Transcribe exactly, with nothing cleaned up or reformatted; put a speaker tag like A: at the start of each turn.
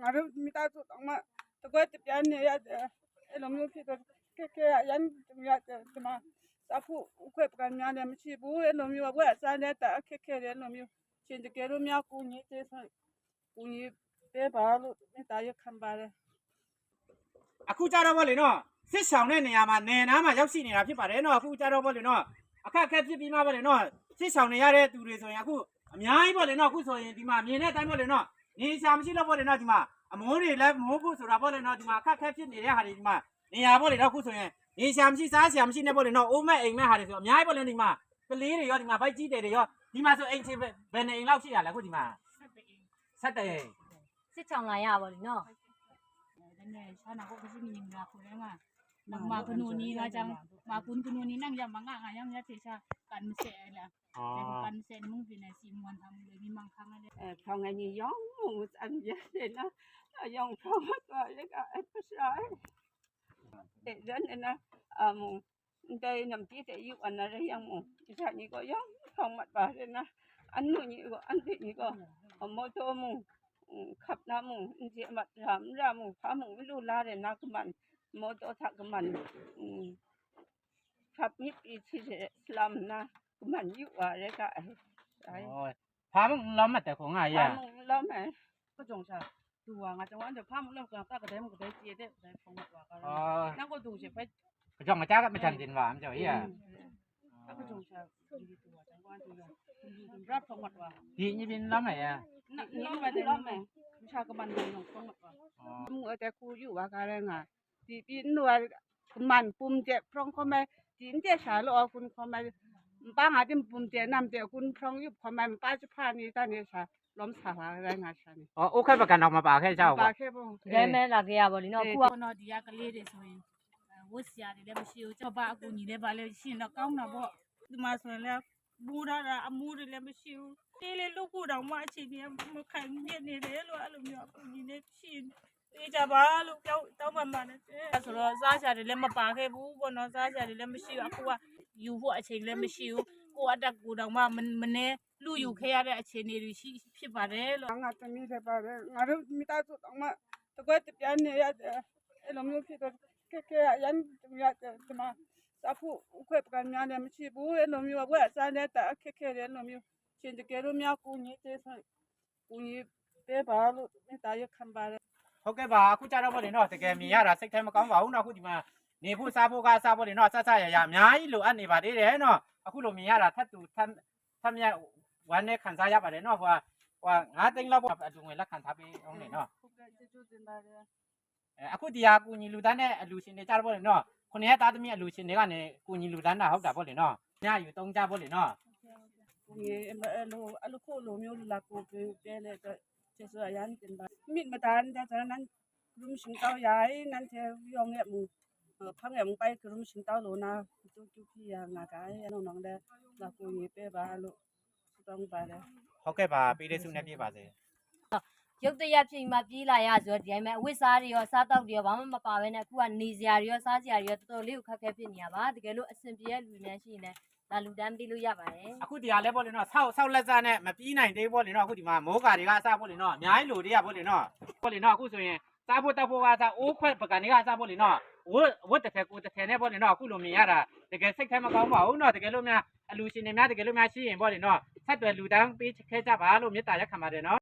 A: ငါတို့မိသားစုတောင်မှတကွက်တပြားနေရတယ်အဲ့လိုမျိုးဖြစ်တော့ခက်ခဲရမ်းရတယ်ဒီမှာစာဖို့ဥခွဲပကံများလည်းမရှိဘူးအဲ့လိုမျိုးဘွဲ့စားနေတာအခက်ခဲတယ်အဲ့လိုမျိုးရှင်တကယ်လို့များကိုကြီးသေးဆိုကိုကြီးပေးပါလို့မိသားရခံပါတယ်
B: အခုကြတော့ဗောလေနော်စစ်ဆောင်တဲ့နေရာမှာနေနားမှာရောက်ရှိနေတာဖြစ်ပါတယ်နော်အခုကြတော့ဗောလေနော်အခက်အခဲဖြစ်ပြီးမှဗောလေနော်စစ်ဆောင်နေရတဲ့သူတွေဆိုရင်အခုအများကြီးဗောလေနော်အခုဆိုရင်ဒီမှာမြင်တဲ့အတိုင်းဗောလေနော်နေရှာမရှိတော့ဗောလေနော်ဒီမှာအမိုးတွေလည်းမိုးဖို့ဆိုတာဗောလေနော်ဒီမှာအခက်အခဲဖြစ်နေတဲ့ဟာတွေဒီမှာနေရာဗောလေနော်အခုဆိုရင်နေရှာမရှိစားရှာမရှိနေဗောလေနော်အိုးမဲ့အိမ်မဲ့ဟာတွေဆိုအများကြီးဗောလေဒီမှာကလေးတွေရောဒီမှာဗိုက်ကြီးတယ်တွေရောဒီမှာဆိုအိမ်ချင်းဘယ်နေအိမ်လောက်ရှိရလဲအခုဒီမှာဆက်တဲ့အိမ်
C: စစ်ချောင်းလာရပါလိမ့်နော်
D: နဲ့ရှာနာကိုkasi minimum ako lang nga nang makununi nga jang makun kununi nang jang mga nga yang ya sa kanse la kanse mong pinasimuan ang lagi mang khang ale
A: eh phong ngày nhiều gió một anh vậy thì nó dòng phong rồi cái cái sai để đến nên à mùng đây nằm chỉ để giúp anh là yang mùng sao như có gió không mặt bà nên anh nuôi như có anh thì như có ở mô tô mùngขับน้ำมึงเจียมัดถามรามึงพามึงไม่รู้ลาเลยนักมันโมโตทักมันขับยิบอีที่สลัมนะมันยุ่งอะไรกัน
B: พามึงล้อมมาแต่ของไงอ่ะ
A: พามึงล้อมไหมก็จงใจดูว่าไงจังหวะเดี๋ยวพามึงเริ่มกันก็กระเด้มึงกระเด้เจี๊ยดได้ฟงหมดว่ากันนั่งก็ดูเฉยไป
B: จงมาจ้าก็ไม่ทันดินหวานเจ้าเหี้ย
A: ก็จงใจดูตัวจังหวะดูรับฟงหมดว่า
B: ดีนี่เป็นล้อมไหนอ่ะ
A: นี่มาได้ล้อมไหมชาก็มันเลยลงฟงหมดว่ามึงเอาแต่กูอยู่ว่ากันไงดีปีนด้วยมันปุ่มเจ็บพร้องเขาไม่จีนเจ้าชาลอคุณเขาไม่ป้าหาที่ปุ่มเจ็บนำเจ้าคุณพร้องยุบเขาไม่ป้าจะพานี่ตอนนี้ชาล้มสาราอะไรงาชานี่
B: อ๋อโอเคประกันออกมาป่าแค่เจ้า
A: ป่าแค่บ่
C: ဒါမဲလာခဲ့ရပါလိမ့်နော်ခုက
D: no dia ka le de so yin wo sia de le ma shi o cha ba aku ni le ba le shin da kaung na bo di ma so le bu da da amu de le ma shi o te le lu ku daw ma chi ni ma khai miet ni le lo a lo myo aku ni le shinတေးကြပါလို့ပြောတောင်းပန်ပါတယ်ဆိုတော့စားချာတွေလည်းမပါခဲ့ဘူးပေါ့နော်စားချာတွေလည်းမရှိဘူးအခုကယူဖို့အချိန်လည်းမရှိဘူးကိုအတက်ကိုတောင်မှမနေလူယူခဲ့ရတဲ့အခြေအနေတွေရှိဖြစ်ပါတယ်လို့
A: ငါသမီးလည်းပါတယ်ငါတို့မိသားစုတောင်မှတကွက်တပြားနေရတယ်အဲ့လိုမျိုးဖြစ်တော့ခက်ခဲရမ်းရတယ်ဒီမှာစာဖို့ဥခွဲပကံများလည်းမရှိဘူးအဲ့လိုမျိုးဘွဲ့စားနေတာအခက်ခဲတယ်အဲ့လိုမျိုးရှင်တကယ်လို့များကိုကြီးသေးဆိုကိုကြီးပေးပါလို့မိသားရခံပါတယ်
B: ဟုတ်ကဲ့ပါအခုကြတော့ဗောလေနော်တကယ်မြင်ရတာစိတ်ထဲမကောင်းပါဘူးနော်အခုဒီမှာနေဖို့စားဖို့ကစားဖို့လေနော်ဆက်ဆက်ရရအများကြီးလိုအပ်နေပါသေးတယ်နော်အခုလိုမြင်ရတာထပ်တူထပ်ထပ်မြတ်ဝမ်းနဲ့ခံစားရပါတယ်နော်ဟိုကဟိုငါးသိန်းလောက်ပေါ့အတူငွေလက်ခံထားပေးအောင်လေနော်
A: ဟုတ်ကဲ့ကျေးဇူးတင်ပါတယ်
B: အဲအခုဒီဟာကူညီလူတန်းနဲ့အလူရှင်တွေကြတော့ဗောလေနော်ခုနှစ်ရက်သားသမီးအလူရှင်တွေကနေကူညီလူတန်းတာဟုတ်တာဗောလေနော်ညယူသုံးကြဗောလေနော်
A: ကိုကြီးအဲ့လိုအဲ့လိုခို့လိုမျိုးလာကိုပေးပေးလေတော့ကျေးဇူးအရမ်းတင်ပါမိမတန်တဲ့ကျွန်တော်นั้นรุมชิงเต้าใหญ่นั่นเทยองเนี่ยมึงเออพังเนี่ยมึงไปคือรุมชิงเต้าโหลนะจุ๊จุ๊พี่อ่ะงากายน้องๆเด้ลากูยีเป้บาလို့ต้องไปเลย
B: ဟုတ်ကဲ့ပါပေးတဲ့ဆုနဲ့ပြပါစေ
C: ရုပ်တရက်ချိန်မှာပြေးလာရဆိုတော့ဒီတိုင်းမှာအဝတ်စားတွေရောစားတောက်တွေရောဘာမှမပါဘဲနဲ့အခုကနေစရာတွေရောစားစရာတွေရောတော်တော်လေးကိုခက်ခဲဖြစ်နေရပါတကယ်လို့အဆင်ပြေတဲ့လူများရှိရင်လာလူတန်းပေးလို့ရပါတယ်
B: အခုဒီဟာလဲဗောလေနော်ဆောက်ဆောက်လက်စားနဲ့မပြီးနိုင်သေးဗောလေနော်အခုဒီမှာမိုးကာတွေကအစားဗောလေနော်အများကြီးလိုတွေကဗောလေနော်ဗောလေနော်အခုဆိုရင်စားဖို့တောက်ဖို့ကစားအိုးခွက်ပကံတွေကစားဖို့လေနော်ဝတ်ဝတ်တစ်ထည်ကိုတစ်ထည်နဲ့ပေါ့လေနော်အခုလိုမြင်ရတာတကယ်စိတ်ထဲမကောင်းပါဘူးနော်တကယ်လို့များအလူရှင်တွေများတကယ်လို့များရှိရင်ပေါ့လေနော်ဆက်သွယ်လူတန်းပေးခဲ့ကြပါလို့မေတ္တာရက်ခံပါတယ်နော်